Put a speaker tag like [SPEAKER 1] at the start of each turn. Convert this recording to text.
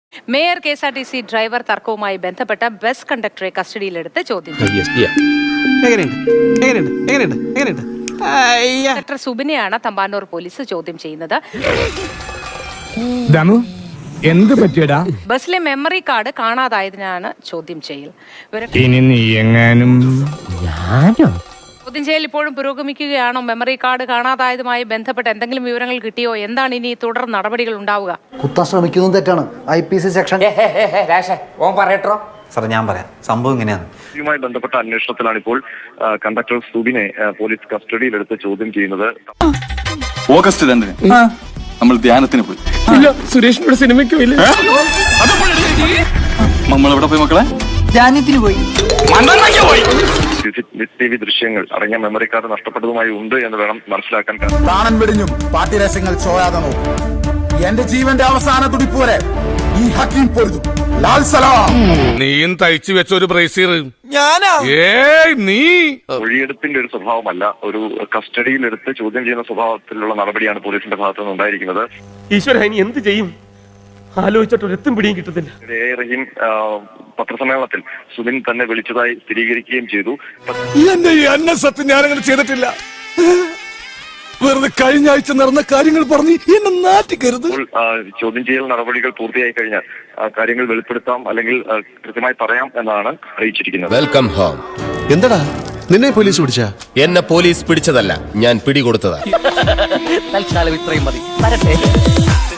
[SPEAKER 1] Mayor KSRTC driver തർക്കവുമായി ബന്ധപ്പെട്ട bus കണ്ടക്ടറെ കസ്റ്റഡിയിലെടുത്ത് ചോദ്യം കണ്ടക്ടർ സുബിനെയാണ് തമ്പാനൂർ പോലീസ് ചോദ്യം ചെയ്യുന്നത്.
[SPEAKER 2] എന്ത് പറ്റിയടാ?
[SPEAKER 1] ബസ്സിലെ മെമ്മറി കാർഡ് കാണാതായതിനാണ് ചോദ്യം ചെയ്യൽ.
[SPEAKER 2] ഇനി നീ എങ്ങാനും
[SPEAKER 1] ചോദ്യം ചെയ്യൽ ഇപ്പോഴും പുരോഗമിക്കുകയാണോ? മെമ്മറി കാർഡ് കാണാതായതുമായി ബന്ധപ്പെട്ട് എന്തെങ്കിലും വിവരങ്ങൾ കിട്ടിയോ? എന്താണ് ഇനി തുടർ നടപടികൾ ഉണ്ടാവുക?
[SPEAKER 3] കുത്താൻ ശ്രമിക്കുന്നത് തെറ്റാണ്. IPC സെക്ഷൻ
[SPEAKER 4] സാർ ഞാൻ പറയാം, സംഭവം ഇങ്ങനെയാണ്.
[SPEAKER 5] ഇതുമായി ബന്ധപ്പെട്ട അന്വേഷണത്തിലാണ് ഇപ്പോൾ കണ്ടക്ടർ സുബിനെ പോലീസ് കസ്റ്റഡിയിലെടുത്ത് ചോദ്യം ചെയ്യുന്നത്.
[SPEAKER 6] ഓഗസ്റ്റ് 2 നമ്മൾ ധ്യാനത്തിന് പോയി.
[SPEAKER 2] സുരേഷിനോട് സിനിമയ്ക്ക് പോയില്ല.
[SPEAKER 6] നമ്മൾ എവിടെ പോയി മക്കളെ?
[SPEAKER 3] ധ്യാനത്തിന് പോയി.
[SPEAKER 5] TV ദൃശ്യങ്ങൾ അടങ്ങിയ മെമ്മറി കാർഡ് നഷ്ടപ്പെട്ടതുമായി ഉണ്ട് എന്ന് വേണം മനസ്സിലാക്കാൻ.
[SPEAKER 7] കാണാൻ വെടിഞ്ഞും പാട്ടിരസങ്ങൾ ചോയാതെ നോക്കും. എന്റെ ജീവന്റെ അവസാന തുടിപ്പ് വരെ ഈ ഹക്കീം പൊരുതും. ലാൽ സലാം.
[SPEAKER 2] നീയും തയ്ച്ചു വെച്ച ഒരു ബ്രേസീർ നീ
[SPEAKER 5] മൊഴിയെടുപ്പിന്റെ ഒരു സ്വഭാവമല്ല, ഒരു കസ്റ്റഡിയിലെടുത്ത് ചോദ്യം ചെയ്യുന്ന സ്വഭാവത്തിലുള്ള നടപടിയാണ് പോലീസിന്റെ ഭാഗത്തു നിന്ന് ഉണ്ടായിരിക്കുന്നത്.
[SPEAKER 8] ഈശ്വര, ഇനി എന്ത് ചെയ്യും? ആലോചിച്ചിട്ട് ഒരെത്തും പിടിയും കിട്ടുന്നില്ല.
[SPEAKER 5] റഹീം പത്രസമ്മേളനത്തിൽ സുബിൻ തന്നെ വിളിച്ചതായി സ്ഥിരീകരിക്കുകയും ചെയ്തു.
[SPEAKER 7] എന്റെ ഈ അന്നസത്യം ഞാനങ്ങനെ ചെയ്തിട്ടില്ല. വെറുതെ കഴിഞ്ഞ ആഴ്ച നടന്ന കാര്യങ്ങൾ പറഞ്ഞ് എന്നെ നാട്ടിക്കരുത്.
[SPEAKER 5] ചോദ്യം ചെയ്യൽ നടപടികൾ പൂർത്തിയായി കഴിഞ്ഞാൽ കാര്യങ്ങൾ വെളിപ്പെടുത്താം, അല്ലെങ്കിൽ കൃത്യമായി പറയാം എന്നാണ് അറിയിച്ചിരിക്കുന്നത്.
[SPEAKER 9] Welcome home.
[SPEAKER 7] എന്താടാ നിന്നെ പോലീസ് പിടിച്ച?
[SPEAKER 9] എന്നെ പോലീസ് പിടിച്ചതല്ല, ഞാൻ പിടികൊടുത്തതാ.
[SPEAKER 8] തൽക്കാലം ഇത്രയും മതി.